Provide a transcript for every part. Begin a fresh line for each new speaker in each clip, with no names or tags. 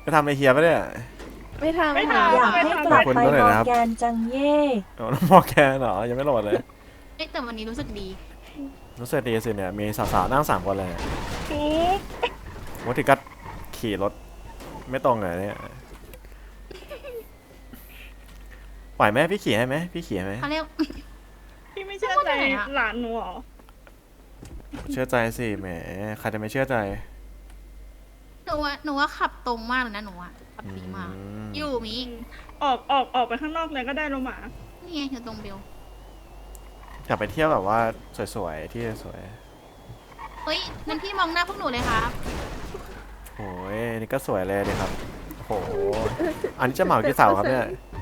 ไปทำไอเฮียปะเนี่ย
ไม่ทำ
ไม่
ค่ะ
ทำ
อยากให้กลับ
คุณ
ไป
ก็เลย
มอ
นะครับ
ร์แกนจังเย่
อ๋อมอร์แกนเหรอยังไม่โหลดเลย
เอ้ยแต่วันนี้รู้สึกดี
รู้สึกดีสิเนี่ยมีสาวๆนั่ง3 คนเลย
ถูก
ว่าถึงก็ขี่รถไม่ตรงเลยเนี่ยปล่อยไหมพี่ขี่ให้ไหมพี่ขี่ให้ไหม
เขาเรียก
พี่ไม่เชื่อใจหลานหนูเหรอ
เชื่อใจสิแหมใครจะไม่เชื่อใจ
หนูว่าขับตรงมากเลยนะหนูอะขับดีมาก อยู่มี
ออกไปข้างนอกเลยก็ได้โลมา
นี่ไงอยู่ตรงเบล
อยากไปเที่ยวแบบว่าสวยๆที่สวย
เฮ้ยนั่นพี่มองหน้าพวกหนูเลยครับ
โอ้ยนี่ก็สวยเลยนะครับโอ้โหอันนี้จะเหมากี่เสาครับเนี่ย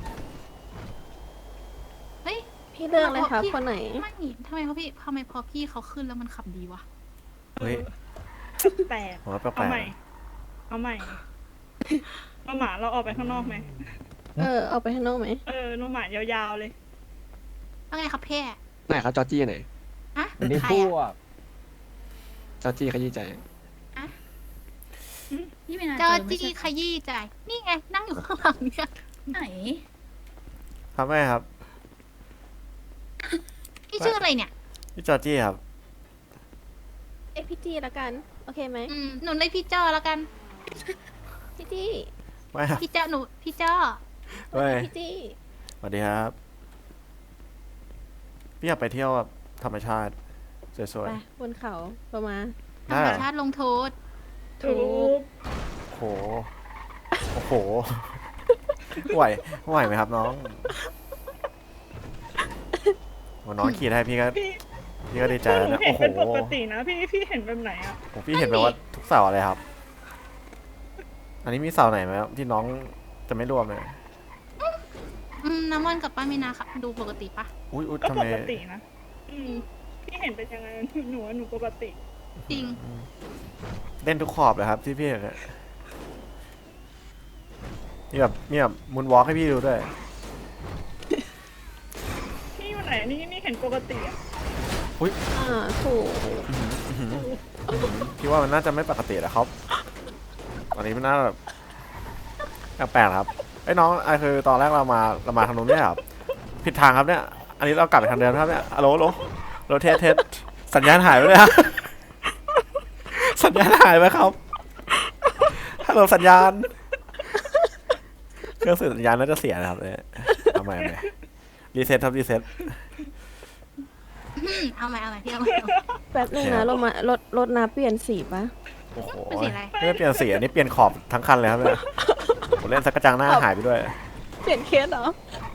เฮ้ย
พี่เลือกเลยครับคนไหน
ไม่ทำไมพอพี่เขาขึ้นแล้วมันขับดีวะ
เฮ้ย
แปลก
ผมว่าแปล
เอา
ก
ใหม่ เอาใหม่โลหมาเราออกไปข้างนอกไหม
เอาไปข้างนอกไหม
โลหมายาวๆเลย
ว่าไงครับแพ่
ไหนครับจอร์จี้ไหน
ฮะ
อันนี้
ใคร
พว
อะ
ก
จอร์จี้ขยี้ใจ
นี่ไม่น่า
เจอ
ไม่
จี้
ใช่
ขยี้ใจนี่ไงนั่งอยู่ข้างหลังเนี่ย
ไหน
ๆครับแม่ครับ
พี่ชื่ออะไรเนี่ย
พี่จอร์จี้ครับ
เอ้พี่จี้ละกัน โอเคไหม
หนูเรียกพี่จ้อแล้วกัน
พี่จี้
ไม่ครับ
พี่จ้อหนูพี่จ้อ
เฮ้ย
พี่จี้
สวัสดีครับพี่อยากไปเที่ยวแบบธรรมชาติสวย
ไปบนเขาประมาณ
ๆ
ธร
ได้
รมชาติลงโทษ
ถูก
โอ้โหโอ้โหไหวไหมครับน้องโอ้น้องขี่ได้พี่ก็
พี่
พี่ก็ดีใจ
ห
แล้ว
นู
นะ
เห็
โอ้
น
โห
เป็นปกตินะพี่เห็นแบบไหนอ่ะ
โอ้พี่เห็นแบบว่าทุกเสาเลยครับ อันนี้มีเสาไหนไหมครับที่น้องจะไม่รวมเลย
น้ำมันกับป้ามินาค่ะดูปกติปะ
อุ้ย
ก็
ทำ
ป
ไม
กตินะพี่เห็นเป็นยังไงหนูปกติ
จริง
เล่นทุกขอบเลยครับที่พี่เห็นอะมีแบบมุนวอล์กให้พี่ดูด้วย
พี่วันไหนนี่เห็นปกติอ่ะ
ถูก
พี่ว่ามันน่าจะไม่ปกติแล้วครับตอนนี้มันน่าแบบแปลกๆครับไอ้น้องไอ้คือตอนแรกเรามาทางนู้นเนี่ยครับผิดทางครับเนี่ย อันนี้เรากลับไปทางเดิมครับเนี่ยฮัลโหลเทสสัญญาณหายไปเลยครับ สัญญาณหายไปครับฮัลโหลสัญญาณเครื่องสื่อสัญญาณน่าจะเสียนะครับเนี่ยทำไมรีเซ็ตครับรีเซ็ต
เอาใหม่พี่เอาใหม่
แป๊บนึงนะเรามารถน้ำเปลี่ยนสีปะ
โอ้โห
เป็นสีอะไร
ไม่ได้เปลี่ยนสีอันนี้เปลี่ยนขอบทั้งคันเลยครับเนี่ยผมเล่นสักกระจังหน้าหายไปด้วย
เปลี่ยนเคสเหรอ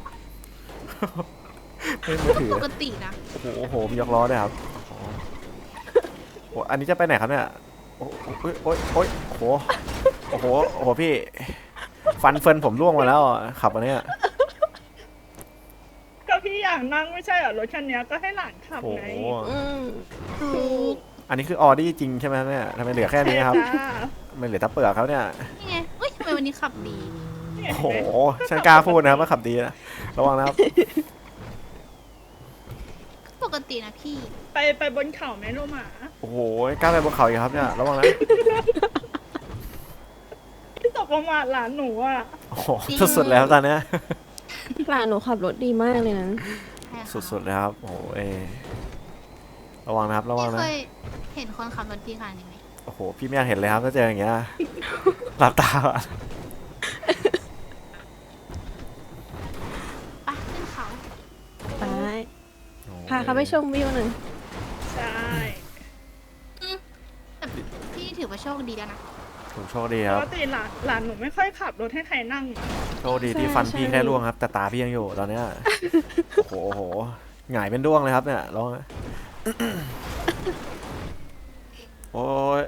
ไม่มือถือ
ปกตินะ
โอ้โหมียกล้อด้วยครับโอ้โหอันนี้จะไปไหนครับเนี่ยโอ้โหโอ้โหพี่ฟันเฟินผมร่วงมาแล้วขับอันเนี้ย
ก็พี่อยากนั่งไม่ใช่เหรอรถคันนี้ก็ให้หลานขับ
โอ้
ไง
โห
ถูก
อันนี้คือออดี้จริงใช่ไหมครับเนี่ยทำไมเหลือแค่นี้ครับ
จ้า
ไม่เหลือแตะเปลือกเขาเนี่ย
นี่ไงเฮ้ยทำไมวันนี้ขับดี
เห็น
โอ้โห
ไหม
ฉันกล้าพูดนะครับว่าขับดีนะระวังนะครับ
ปกตินะพี่
ไปบนเขาไหมโลหมา
โอ้โหกล้าไปบนเขาอีกครับเนี่ยระวังนะ
ที่ตกลงมาหลานหนูอ่ะ
โอ้โหสุดๆแล้วตอนเนี้ย
หลานหนูขับรถดีมากเลยนะ
ใช่ค่ะ
สุดๆเลยครับโอ้โหระวังนะครับระวัง
พี่
นะ
เคยเห็นคนขับรถดีขนาดนี้ไหม
โอ้โหพี่ไม่อยากเห็นเลยครับถ้าเจออย่างเงี้ยหลับตาก่อน
ไปขึ้นเขา
ไป พาเขาไปชมวิวหน่อย
ใช่
แต่พี่ถือว่าโชคดีแล้วนะ
ผมโชคดี
ป
ครับ
กติหลานหนูไม่ค่อยขับรถให้ใครนั่ง
โชคดีที่ฟันพี่แค่ร่วงครับ แต่ตาพี่ยังอยู่ตอนเนี้ยโอ้โหหงายเป็นด้วงเลยครับเนี่ยร้องนะโอ้ย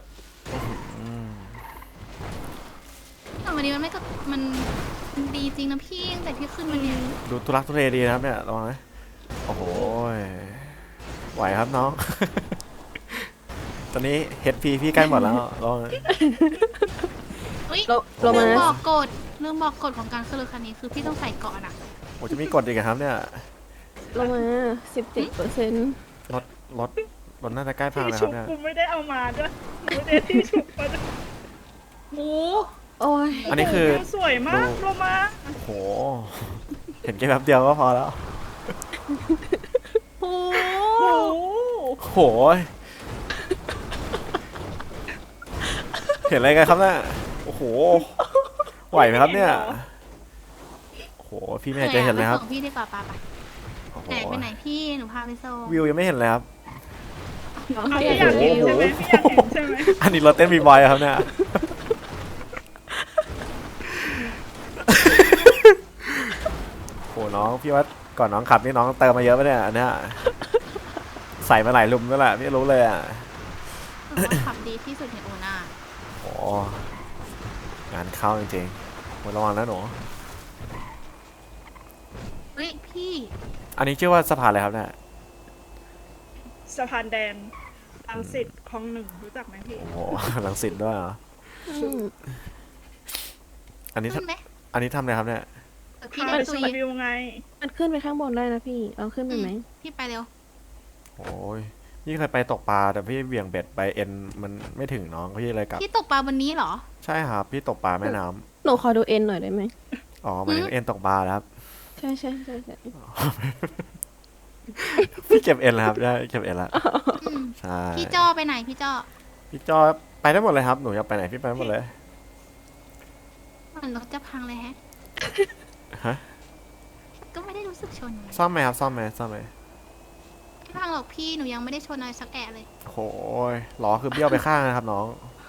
แต่วันนี้มันไม่ก็มันดีจริงนะพี่ตั้งแต่พี่ขึ้นมาเนี่ย
ดูทุลักทุเลดีนะครับเนี่ยระวังนะโอ้โหไหวครับน้อง ตอนนี้เฮดพีพี่ใกล้หมดแล้วลองนะ
อุ้ย
โรมา
เรื่อง
น
บอกกฎเรื่องบอกกฎของการขึ้นรถคันนี้คือพี่ต้องใส่เกาะนะ
โอ้จะมีกฎอีกเหรอครับเนี่ย
โรมา17%
รถน่าจะใกล้พัง
ที่
แล้วค
ชุ
รับบ เนี่ย
กูไม่ได้เอามาด้วยหนูไม่ได้ที่ชุบมาด้วย
หมู
โอ้ย
อันนี้คือ
สวยมากโลมา
โอ้โห เห็นแค่แป๊บเดียวก็พอแล้ว
โอ้
โอ้
โอ้โห เห็นอะไรกันครับเนี่ยโอ้โห ไหวไหมครับเนี่ย โอ้โห พี่ไม่อยากจะเห็นเลยครับ
ไปส่งพี่ดีกว่าปะ
โอ้โห
ไหนไปไหนพี่หนูพาไปส่ง
วิวยังไม่เห็นเลยครับ
น้อง
เอา
เขาอ
พี่
ยาก
อยาก
เห็
เห็
น
น
อยู่
ใช่ไหมพี่อยากเห็นใช่ไหม
อันนี้เราเต้นบีบอยครับเนี่ย โอ้น้องพี่ว่าก่อนน้องขับนี่น้องเติมมาเยอะไปเนี่ยอันเนี้ยใส่มาหลายลุมแล้วแหละพี่รู้เลยอ่ะ
หนูว่าขับดีที่สุดในโอนา
โอ้งานเข้าจริงๆหมดระวังนะหนู
เฮ้ยพี่
อันนี้ชื่อว่าสะพานอะไรครับเนี่ย
สะพานแดนรังสิตคลองหนึ่งรู้จักไหมพี่
โอ้โห ลังสิตด้วยเหรอ
อืม
อันนี้
ขึ้นไหม
อันนี้ทำอะไรครับเนี่ย
พี่
พา
ได้
ไปช
ตุ
ม
ย
วิวไง
มันขึ้นไปข้างบนได้นะพี่เอาขึ้นไปไหม
พี่ไปเร็ว
โอ้ยนี่เคยไปตกปลาแต่พี่เบี่ยงเบ็ดไปเอ็นมันไม่ถึงน้องพี่เลยกลับ
พี่ตกปลาวันนี้เหรอ
ใช่ครับพี่ตกปลาแม่น้ำ
หนูขอดูเอ็นหน่อยได้ไหม
อ๋อหมันถึงเอ็นตกปลาแล้วครับ
ใช่ใช่ใช่ใช่
พี่เก็บเอ็นแล้วครับได้เก็บเอ็นแล้ว
อืม
ใช่
พี่จ้อไปไหนพี่จ้อ
พี่จอไปได้หมดเลยครับหนูอยากไปไหนพี่ไปได้หมดเลย
มันรถจะพังเลยแฮะ
ฮะ
ก็ไม่ได้รู้สึกชนอะไร
ซ่อมไหมครับซ่อมไหมซ่อมไหม
ไม่พังหรอกพี่หนูยังไม่ได้ชนอะไรสักแอะเลย
โอ้โหล้อคือเบี้ยวไปข้างนะครับน้อง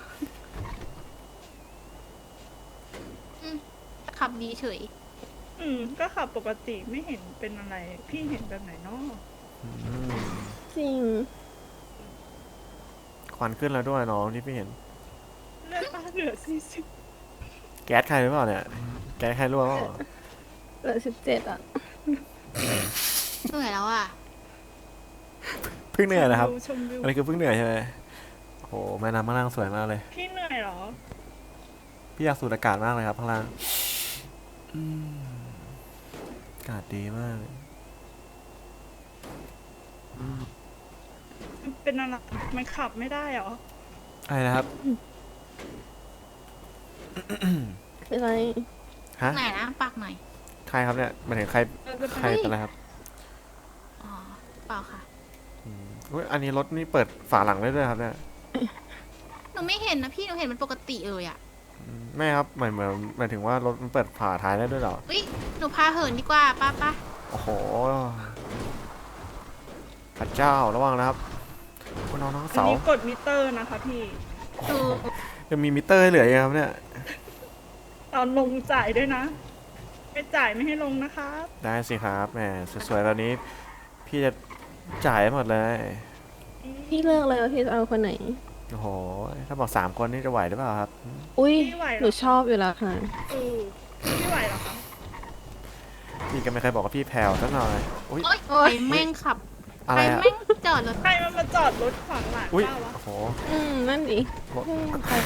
ขับดีเฉย
ก็ขับปกติไม่เห็นเป็นอะไร พี่เห็นแบบไหนเนาะ
อืม
จริง
ควันขึ้นแล้วด้วยน้องที่พี่เห็น
เลือดป้าเหลือ40
แก๊สใครหรือเปล่าเนี่ยแก๊สใครรั่วเปล่า
เหลือ17อ่ะ
เหนื่อยแล้วอ่ะ
เพิ่งเหนื่อยนะครับ
ชมวิว
อันนี้คือเพิ่งเหนื่อยใช่ไหมโอ้โหแม่น้ำข้างล่างสวยมากเลย
พี่เหนื่อยเหรอ
พี่อยากสูดอากาศมากเลยครับข้างล่างอืมอากาศดีมากเลย
เป็นอะไรมันขับไม่ได้เหรอ
อะไรนะครับ
เป็นไร
ฮะ
ไหนนะปากหน่อย
ใครครับเนี่ยหมายถึงใคร
เราจะไป
ใครเป็นอะไรครับ
อ๋อ เปล่าค่ะ
อุ๊ยอันนี้รถนี่เปิดฝาหลังได้ด้วยครับเนี่ย
หนูไม่เห็นนะพี่หนูเห็นมันปกติเลยอ่ะ
ไม่ครับหมายถึงว่ารถมันเปิดฝาท้ายได้ด้วยเหรอ
เฮ้ยหนูพาเหินดีกว่าป้าป้า
โอ้โหพระเจ้าระวังนะครับคุณน้อง
อัน
เสา
นี้กดมิเตอร์นะคะพี่
ดู
ยังมีมิเตอร์ให้เหลืออยู่ครับเนี่ย
ตอนลงจ่ายด้วยนะ ไม่จ่ายไม่ให้ลงนะคะ
ได้สิครับแหมสวยๆแบบนี้ พี่จะจ่ายให้หมดเลย
พี่เลือกเลยว่าพี่จะเอาคนไหน
โอ้โหถ้าบอก3 คนนี่จะไหวหรือเปล่าครับ
อุ้ย
พี่ไหวเหรอ
หนูชอบอยู่แล้วค่ะ
พี่ไหวเหรอคะ
พี่ก็ไม่เคยบอกว่าพี่แผ่วสักหน่อยอุ้ย
โอ๊ย
โอ๊ย
ใครแม่งขับ
อะ
ใค
ไร
ร
อะ
แม่งจอดรถ
ใครมันมาจอดรถขวางหลัง
อุ้ย
เจ้าวะ
โอ้โห
นั่นดิ
บอก
ใคร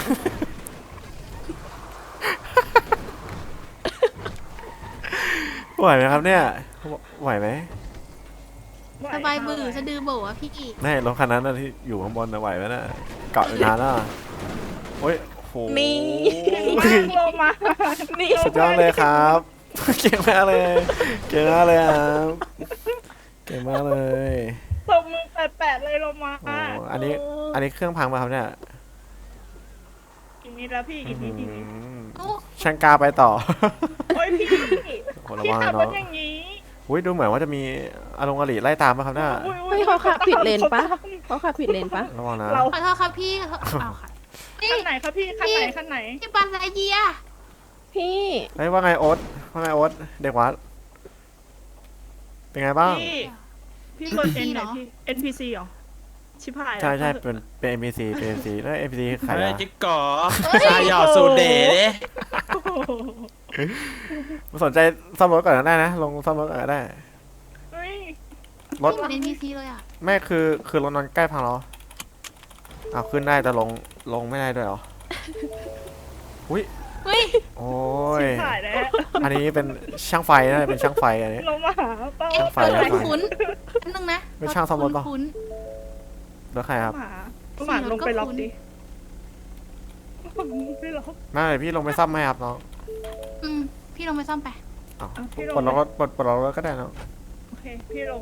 ไหวไหมครับเนี่ยไหวไหม
ไหว
สบาย
ค่ะ
บือ
ไหว
สะดือโบอะพี่
ไม่รถคันนั้นนะที่อยู่ข้างบนนะไหวไหมนะเกาะอยู่นานแล้วอะโอ้ยโอ้โห
นี่
มากลงมา
นี่
สุดยอดเลยครับ เก่งมากเลย เก่งมากเลยครับเก่งมากเลย
ตบมือแปะๆเลยลงมา
โอ้อันนี้เครื่องพังมาครับเนี่ย
อีกนิดแล้วพี่อีกนิดอีกนิด
โอ้
ช่างกล้าไปต่อ
โอ้ยพี่
โอ้ระ
พี่
วัง
ขับ
นะ
ร
น้อ
ถ
ง
อย่างนี้
อุ้ยดูเหมือนว่าจะมีอารมณ์อริไล่ตามมาครับเนี่ย
อุ๊ย
เฮ้ยเขาขับผิดเลนปะเขาขับผิดเลนปะ
ระวังนะ
เรา
ขอโทษครับพี่ขอโทษเอาค่ะนี่
คันไหนครับพี่คันไหนคันไหน
พี่ปันไรเยีย
พี่
เฮ้ยว่าไงโอ๊ตว่าไงโอ๊ตเด็กวัดเป็นไงบ้าง
พี่กด N ไหนพี่ NPC เหรอชิบหายแล้ว
ใช่เป็น NPC เป็น NPC แล้ว NPC ใคร
เฮ้ย
อะ
จิ๊กก่อชายหยอดสูตรเด๋ดิ
โอ้โห
สนใจซ่อมรถก่อนก็ได้นะลงซ่อมรถก่อนก็ได้
เฮ้ย
รถ
ไม่เหมือน NPC เลยอ่ะ
แม่คือรถนอนใกล้พังแล้วอ้าวขึ้นได้แต่ลงไม่ได้ด้วยเหรออุ้ย
เฮ้ย
โอ้ย
ชิบหายแล้ว
อันนี้เป็นช่างไฟนะเป็นช่างไฟอันนี้
ลงมาหาเป้า
ไฟ
รถ
แล้ว
คุ้นอันนึงนะ
ไม่ช่างซ่อมรถปะ
คุ้น
รถใครครับ
หมาลงไปล็อกดิพี่ลง
ไม่พี่ลงไปซ่อมให้ครับน้อง
อืมพี่ลงไปซ่อมไป
อ้าว
พี่ลง
ปลดล็อกรถปลดล็อกรถก็ได้เนาะ
โอเคพี่ลง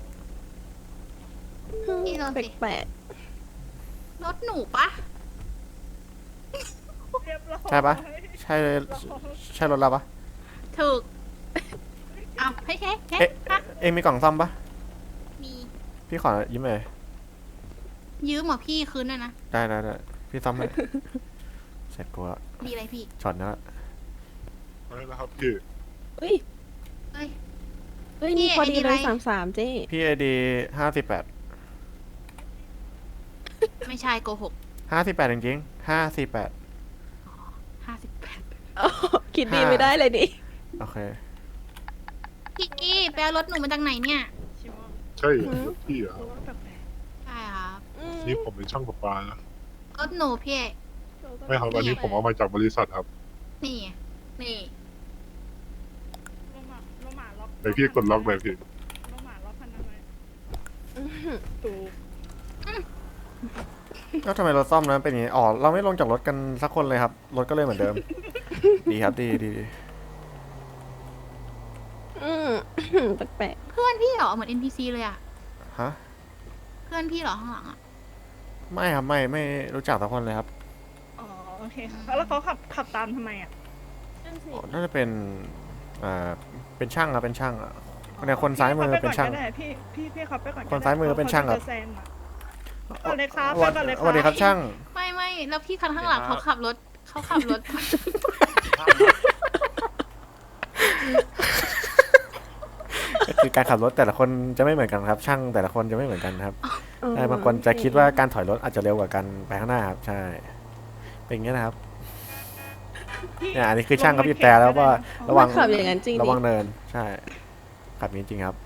พี่ลงสิ
แปลก
รถหนูปะ
เรียบร้อย
ใช่ปะใช่ใช่รถเราปะ
ถูกอ้าวเฮ้ยเฮ้ยเฮ้ย
เอ๊ะ
ฮะ
เอ็งมีกล่องซ่อมปะ
มี
พี่ขอยิ้มเลย
ยืมเหรอพี่คืนด้วยนะ
ได้พี่ซ่อมให้ เสร็จกูละ
ดีอะไรพี่
ช็อตนี้ละ
ไม่นะครับพี่
ๆเฮ้ย
เอ้ย
เฮ้ยนี่
พี่
พอดี
ไอ้นี่
เลย
ไร
33เจ๊
พี่ไอดี58
ไม่ใช่โกหก
58จริงๆ548
58
คิดดีไม่ได้เลยดิ
โอเค
พี่กี้ไปเอารถหนูมาจากไหนเนี่ย
ชิมอน
ใช่เหรอพี่เหรอ
รู้ว่าแปลก
ใช่ครับ
นี่ผมเป็นช่างประปานะ
รถหนูพี่
ๆ
ไม่ครับอันนี้ผมเอามาจากบริษัทครับ
นี่นี่
ลงมาล็อก
เดี๋ยวพี่กดล็อกเลยพี่
ลงมาล็อกพันอะไรถูก
ก็ทำไมรถซ่อมนั้นเป็นอย่างนี้อ๋อเราไม่ลงจากรถกันสักคนเลยครับ รถก็เลยเหมือนเดิม ดีครับดี
อืม แปลก
เพื่อนพี่เหรอเหมือน NPC เลยอะ
ฮะ
เพื่อนพี่เหรอข้างหลังอะ
ไม่ครับไม่รู้จักสักคนเลยครับ
อ๋อโอเคค่ะแล้วเขาขับตามทำไมอ่ะ
อ๋อน่าจะเป็นเป็นช่างครับเป็นช่างอะเนี่ยคนซ้ายมือเป็นช่าง
พี่ขับไปก่อนก็ได้พี่ขับไปก่อนก็ได้
คนซ้ายมือเป็นช่างครับ
ขจะแซงอะก่อนเลยครับไปก่อนเลยครับ
สวัสดีครับช่าง
ไม่แล้วพี่คันข้างหลังเขาขับรถ
คือการขับรถแต่ละคนจะไม่เหมือนกันครับ ช่างแต่ละคนจะไม่เหมือนกันครับ
ๆ
ใช่บางคนจะคิดว่าการถอยรถอาจจะเร็วกว่าการไปข้างหน้าครับใช่เป็นอย่างนี้นะครับ เนี่ยอันนี้คือช่างเขาบีบแต่แล้วว่าระวัง
ขับอย่างนั้นจริง
ระ
ดิ
วังเนินใช่ขับอย่างนี้จริงครับ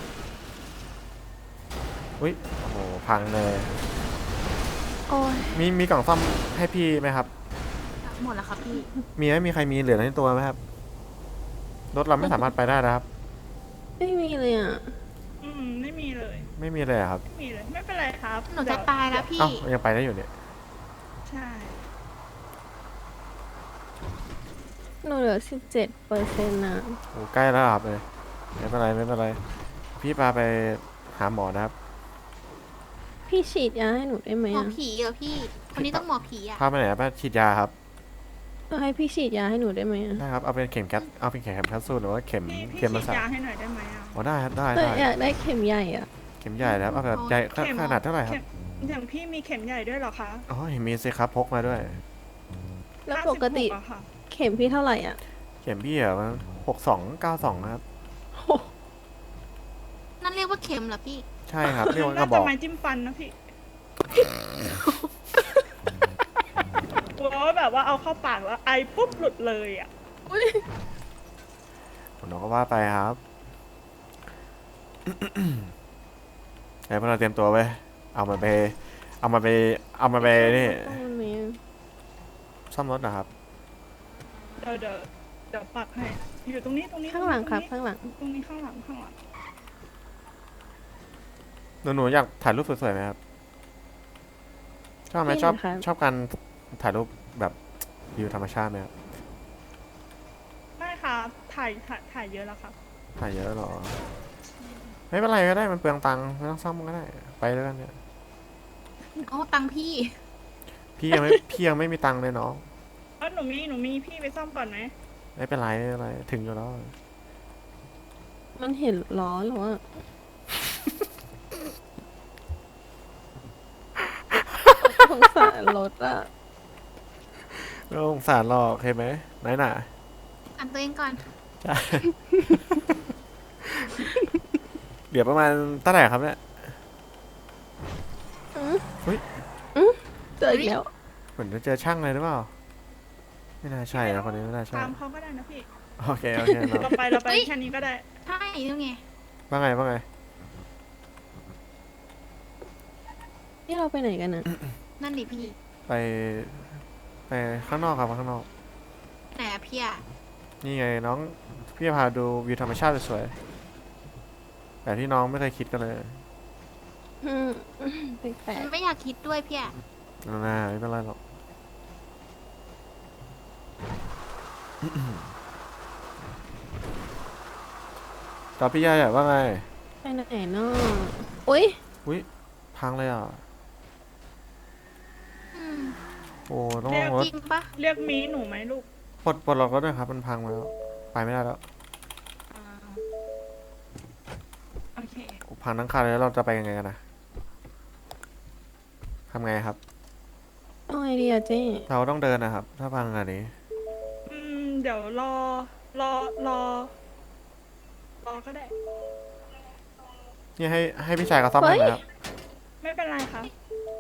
อุ้ยโอ้โหพังเลย
โอ้ย
มีกล่องซ่อมให้พี่ไหมครับ
หมดแล้วครับพี่
มีใครมีเหลือในตัวไหมครับรถเราไม่สามารถไปได้นะครับ
ไม่มีเลยอ่ะ
ไม่มีเลย
ไม่มีเลยอะครับ
ไม่มีเลยไม่เป็นไรครับ
หนูจะตายแล้วพี่
เอ้ายังไปได้อยู่เนี่ย
ใช่
หนูเหลือ17%นะ
โอ้ใกล้แล้วครับเลยไม่เป็นไรพี่พาไปหาหมอนะครับ
พี่ฉีดยาให้หนูได้ไหม
หมอ
อ่ะ
ผีเหรอพี่ คนนี้ต้องหมอผีอะ
พาไปไหนไปฉีดยาครับ
ให้พี่ฉีดยาให้หนูได้ไหมอ่ะ
ได้ครับเอาเป็นเข็มแคปเอาเป็นเข็มแคปซูลหรือว่าเข็ม
พี่
เข็ม
ฉี
มา
ด
ใส่
ยาให้หน่อยได้ไหมอ่ะ
อ๋อได้ครับได้
แต่
ได้
อยากได้เข็มใหญ่อ่ะ
เข็มใหญ่นะครับเอาแบบใหญ่ขนาดเท่าไหร่ครับ
อย่างพี่มีเข็มใหญ่ด้วยเหรอคะ
อ๋อเห็นมีสิครับพกมาด้วย
แล้วปกติ
56อะค่ะ
เข็มพี่เท่าไหร่อ่ะ
เข็มพี่อะมัน6292นะครับ
นั่นเรียกว่าเข็มเหรอพี่
ใช่ครับเรียกว่าก
น่า
ระบ
จะ
อก
ไม้จิ้มฟันนะพี่กลัวว่าแบบว่าเอาเข้าปากแล้วไอปุ๊บหลุดเลยอ่ะ
ผมก็ว่าไปครับ ไอ้พวกเราเตรียมตัวไปเอามาไปนี่
ต้องมันมีอะ
ซ่อมรถนะครับ
เดี๋ยวปักให้อยู่ตรงนี้
ข้างหลังครับ ข้างหลัง
ตรงนี้ข้างหลัง
หนูอยากถ่ายรูปสวยๆไหมครับชอบไหม
ไม่
ชอบ
ครับ
ชอบการถ่ายรูปแบบวิวธรรมชาติไหมครับ
ไม่ครับถ่ายเยอะแล้วครับ
ถ่ายเยอะหรอไม่เป็นไรก็ได้มันเปลืองตังค์ไม่ต้องซ่อมก็ได้ไปแล้วกันเนี่ย
อ๋อ ตังค์พี่
พี่ยังไม่มีตังค์เลยน้อง
หนูมีพี่ไปซ่อมก่อนไหม
ไม่เป็นไรถึงอยู่แล้ว
มันเห็นล้อหรอวะสงสารรถอ่ะ
ไม่ต้องสงสารหรอกโอเคไหมไหนหน่ะ
อันตัวเองก่อน
ใช่ เดี๋ยวประมาณเท่าไหร่ครับเนี่ย
เจออีกแล้ว
เหมือนจะเจอช่างเลยหรือเปล่าไม่น่าใช่นะคนนี้ไม่น่าใช่
ตามเขาก็ได้นะพี่
โอเคน้อง
เราไป
เฮ้ย
แค่นี้ก็ได้
ใช่นี่ไง
ว่าไง
นี่เราไปไหนกันอ่ะ
นั่นดิพี่
ไปข้างนอกครับข้างนอก
ไหนอะพี่อะ
นี่ไงน้องพี่จะพาดูวิวธรรมชาติสวยๆแบบที่น้องไม่เคยคิดกันเลย
อืมแปลก
ไม่อยากคิดด้วยพี่อะ
น่าไม่เป็นไรหรอกตอบพี่ยายว่าไง
ไปไหนเนาะอุ้ย
อุ้ยพังเลยอ่ะ
อืม
โอ้ต้อง
เรี
ล
ยก
งรถ
จริงปะ
เรียกมีหนูไหมลูก
ปลดล็อกรถด้วยครับมันพังมาแล้วไปไม่ได้แล้ว
อ่าโอเค
พังทั้งคันเลยแล้วเราจะไปยังไงกันนะทำไงครับ
เอาไอเดียเจ๊
เราต้องเดินนะครับ ถ้าพังขนาดนี้
เดี๋ยวรอก็ได้
นี่ให้พี่ชายเขาซ่อมให้ไหมครับ
ไม่เป็นไรครับ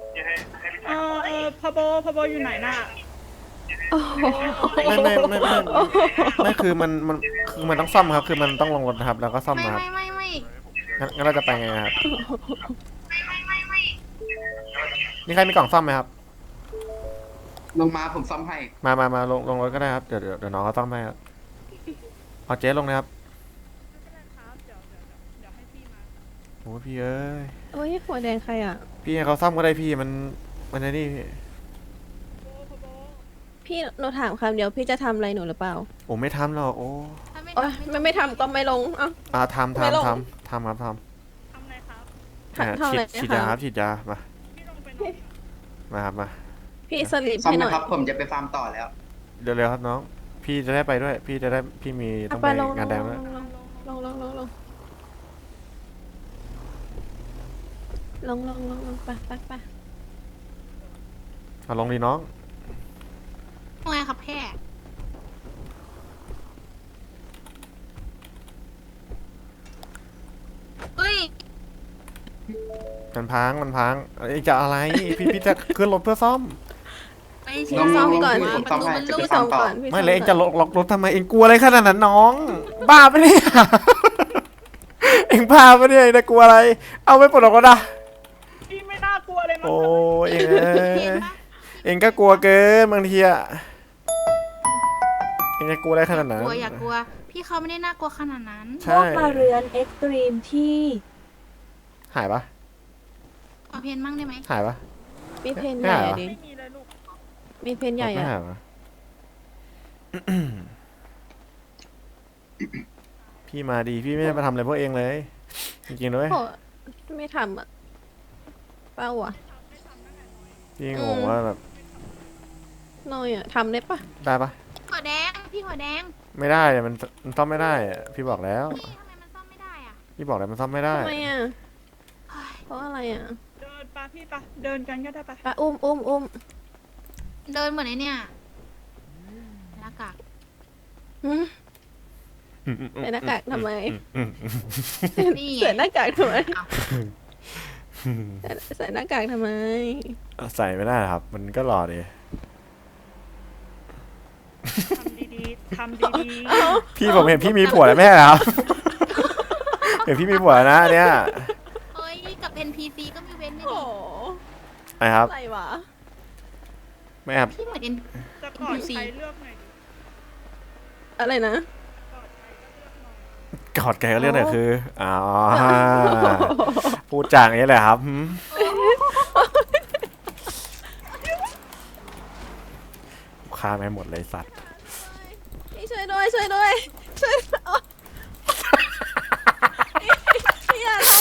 พบอยู่ไหนน่ะ
โอ้โห
ไม่คือมันต้องซ่อมครับ คือมันต้องลงรถนะครับ แล้วก็ซ่อม
ไม่
นะครับ
ไม่
งั้นเราจะไปไงครับนี่ใครมีกล่องซ่อมไหมครับ
ลงมาผมซ่อมให้
มาลงรถก็ได้ครับ เดี๋ยวน้องเขาซ่อมให้ครับเอาเจ๊ลงนะครับ
ไม่เป็นไรครับ เดี๋ยวให้พี่มา
โอ้พี่เอ้ย
โอ้ยหัวแดงใครอ่ะ
พี่ให้เขาซ่อมก็ได้พี่มันไอ้นี่พี่
พี่หนูถามคำเดียวพี่จะทำอะไรหนูหรือเปล่า
โอ้ไม่ทำหรอกโอ้
ถ้าไม่
โอ้ย
ทำ
ไม่ทำก็ไม่ลงเอ้า
ทำ
ไม่ลง
ครับท
ทำอะไรครับ
ำ
ทำอะไร
ฉีด
นะ
ยา
คะ
ครับฉีดยามา
พี่ลงไปนอน
มาครับมา
พี่สลิป
ซ่อม
ให้หน่
นะ
อย
ครับ ผมจะไปฟาร์มต่อแล้ว
เร็วๆครับน้อง พี่จะได้ไปด้วย พี่จะได้พี่มีต้อง
ไป
ไป
ลง
งานแดงด้วย
ลงไป
เอาลงดีน้อง
ว่าไงครับแพ่เฮ้ย
มันพังเอ้ยจะอะไร พี่จะขึ้นรถเพื่อซ่อม
ไป
ล
เช็
ง
คซ่อม
ลง
ก่อน
ลง
ว่า
ผม
ประ
ซ่อม
ตู
ให้
มัน
จะ
ลู
ไป
ก
ฟาร์มต่อ
พี่
ไม่เลยเองจะล็อกรถทำไมเองกลัวอะไรขนาดนั้นน้อง บ้าปะเนี่ย เองพาปะเนี่ยเองจะกลัวอะไร เอาไม่ปลดล็อกก็ได้
พี่ไม่น่ากลัวเลยมั้ง
โอ้ยเอง
เห็นปะ
เองก็กลัวเกินบางทีอะเองจะกลัวอะไรขนาดนั้น
กลัวอย่ากลัว พี่เขาไม่ได้น่ากลัวขนาดนั้น
ใช่
มาเรือนเอ็กซ์ตรีมที่
หายปะ
ขอเพนมั่งได้ไหม
หายปะ
มีเพนใหญ่อะดิ
ไม่มีเลยลูก
มีเพนใหญ่
ไม่
อะ
หายปะ พี่มาดีพี่ไม่ได้มาทำอะไรพวกเองเลย จริงๆด้วย
โอ้ไม่ทำอะเป้าอะ
พี่งงว่าแบบ
น้อยอะทำได้ปะ
ได้ปะ
หัวแดง พี่หัวแดง
ไม่ได้อะมันซ่อมไม่ได้อะพี่บอกแล้ว
พี่ทำไมมันซ่อมไม่ได้อ่ะ
พี่บอกแล้วมันซ่อมไม่ได้
ทำไมอะ
เฮ้ย
เพราะอะไรอะ
เดินปะพี่ปะเดินกันก็ได้ปะ
ปะอุ้ม
เดินเหมือนไอ้เนี่ยหน้ากาก
หืมใส่หน้ากากทำไม
นี่ไง
ใส่หน้ากากทำไม
อ้าว
ใส่หน้ากากทำไม
ใส่ไม่ได้ครับ มันก็หล่อดี
ทำดี
พี่ผมเห็นพี่มีผัวแล้วแม่ครับ เห็นพี่มีผัวแล้วนะอันเนี่ย
เฮ้ย กับ NPC ก็มีเว้นไม่
โอ้
ดี
ไอ้ครับ
อะไรวะ
ไม่ครับ
พี่เหมือน
ๆจะกอดใครเลือกหน่อยดิ
อะไรนะ
กอดใครก็เลือกหน่อย
กอดแกก็เรียกหน่อยคืออ๋อพูดจางอย่างนี้เลยครับหืมฆ่าไม่หมดเลยสัตว์
พี่ช่วยด้วยช่วยด้วยโอ๊ยพี่อย่าลง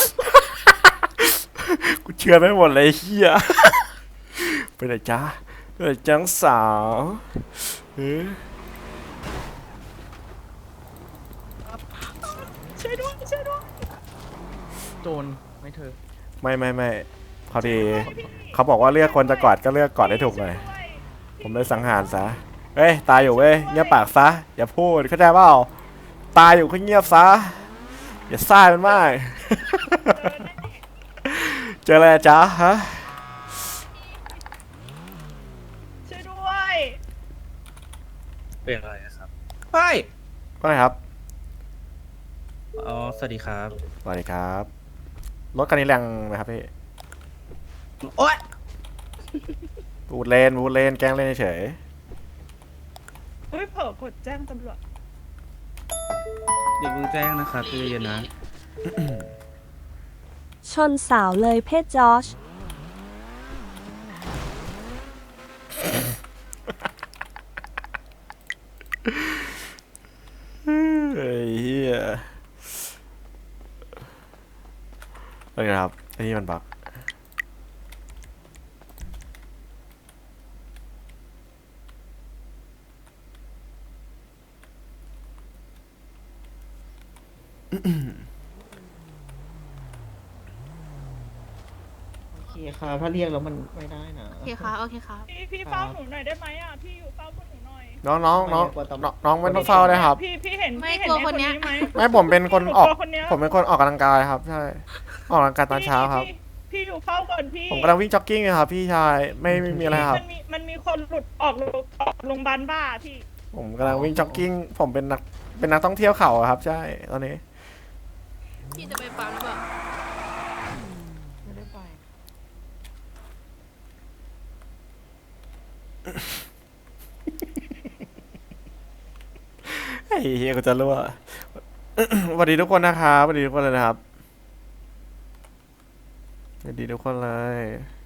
กูเชื่อไม่หมดเลยไอ้เฮียไปไหนจ้าไปไหนจังสาวเฮ้ย
ช่วยด้วย
โจรไม่เธอ
ไม่พอดีเขาบอกว่าเลือกคนจะกอดก็เลือกกอดให้ถูกเลยผมเลยสังหารซะเฮ้ยตายอยู่เว้ยเงียบปากซะอย่าพูดเข้าใจเปล่าตายอยู่ก็เงียบซะอย่าซ่ามันมาก เจออะไรอะจ๊ะฮะ
ช่วยด้วย
เป็นอะไรครับเฮ้ย
ว่าไงครับ
อ๋อสวัสดีครับ
สวัสดีครับรถคันนี้แรงไหมครับพี่
โอ๊ย
บูดเลนแกล้งเล่นเฉย
เฮ้ยเผลอกดแจ้งตำรวจ
อย่าเพิ่งแจ้งนะครับใจเย็นๆนะ
ชนสาวเลยเพศจอช
ๆอะไรนะครับไอ้นี่มันบัก
โอเคค่ะถ้าเรียกแล้วมันไม่ได้นะ
โอเคค่ะโอเคค่ะ
พี่เฝ้าหนูหน่อยได้ไหมอ่ะพี่อยู่เฝ้าพวกหนูหน่อย
น้องไม่ต้องเฝ้าเลยครับ
พี่เห็น
ไม่
พี่เห็น
กลัว
ไอ้
คนเนี้ย
ไหม
ไม่ผมเป็นคนออก
หตัวคนเนี้ย
ผมเป็นคนออกกำลังกายครับใช่ออกกำลังกายตอนเช้าครับ
พี่อยู่เฝ้าก่อนพี่
ผมกำลังวิ่งจ็อกกิ้งครับพี่ชายไม่มีอะไรครับ
มันมีคนหลุดออกโรงพยาบาลบ้าพี่
ผมกำลังวิ่งจ็อกกิ้งผมเป็นนักท่องเที่ยวเขาอะครับใช่ตอนนี้
พี่จะไปปั๊มหรือเปล่า
ไม่ได้ไป
ไอ้เฮียกูจะรั่ว สวัสดีทุกคนนะครับสวัสดีทุกคนเลยนะครับสวัสดีทุกคนเลย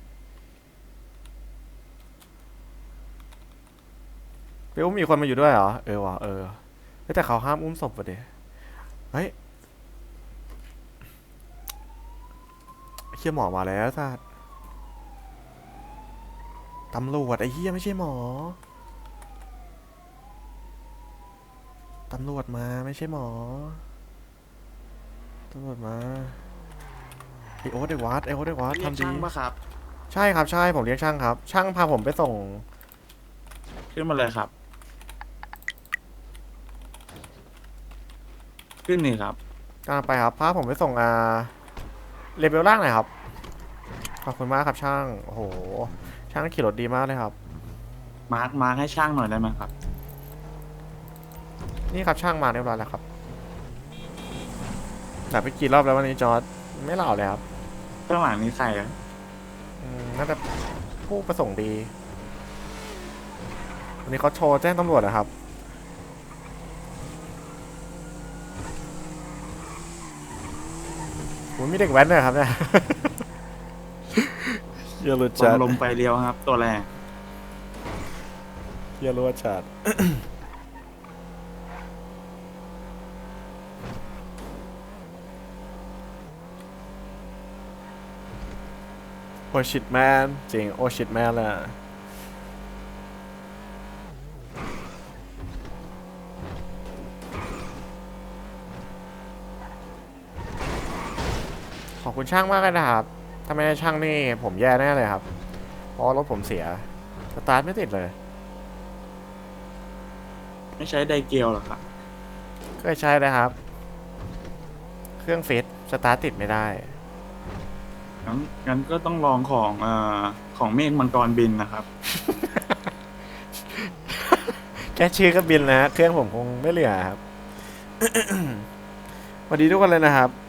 ไปอุ้มมีคนมาอยู่ด้วยเหรอเออว่ะเออแต่เขาห้ามอุ้มศพว่ะเดี๋ยเฮ้ยเฮียหมอมาแล้วสัตว์ตำรวจไอ้เฮียไม่ใช่หมอตำรวจมาไม่ใช่หมอตำรวจมาไอโอ๊ตไอวัดทำดี
ช่างปะครับ
ใช่ครับใช่ผมเรียกช่างครับ ช่างพาผมไปส่ง
ขึ้นมาเลยครับ ขึ้นนี่ครับ
กำลังไปครับพาผมไปส่งเลเวลล่างหน่อยครับขอบคุณมากครับช่างโอ้โหช่างขี่รถดีมากเลยครับ
มาร์คให้ช่างหน่อยได้ไหมครับ
นี่ครับช่างมาเรียบร้อยแล้วครับแบบไปกี่รอบแล้ววันนี้จอร์ดไม่เล่าเลยครับ
ข้างหลังนี้ใครอะ
น่าจะผู้ประสงค์ดีวันนี้เขาโชว์แจ้งตำรวจนะครับผมมีเด็กแว้นด้วยครับเนี่ย เยอะรุด
ล
จั
ง
ด
ลมไฟเลี้ยวครับ ตัวแรง
เยอะรุดจัด โอชิตแมนจริงโอชิตแมนเลยอะขอบคุณช่างมากเลยนะครับถ้าไม่ได้ช่างนี่ผมแย่แน่เลยครับ เพราะรถผมเสีย สตาร์ทไม่ติดเลย
ไม่ใช้ไดเกลหรอครับ
เคยใช้นะครับ เครื่องฟิตสตาร์ทติดไม่ได้
งั้นก็ต้องลองของเมฆมังกรบินนะครับ
แค่ชื่อก็บินนะฮะเครื่องผมคงไม่เหลือครับ สวัสดีทุกคนเลยนะครับ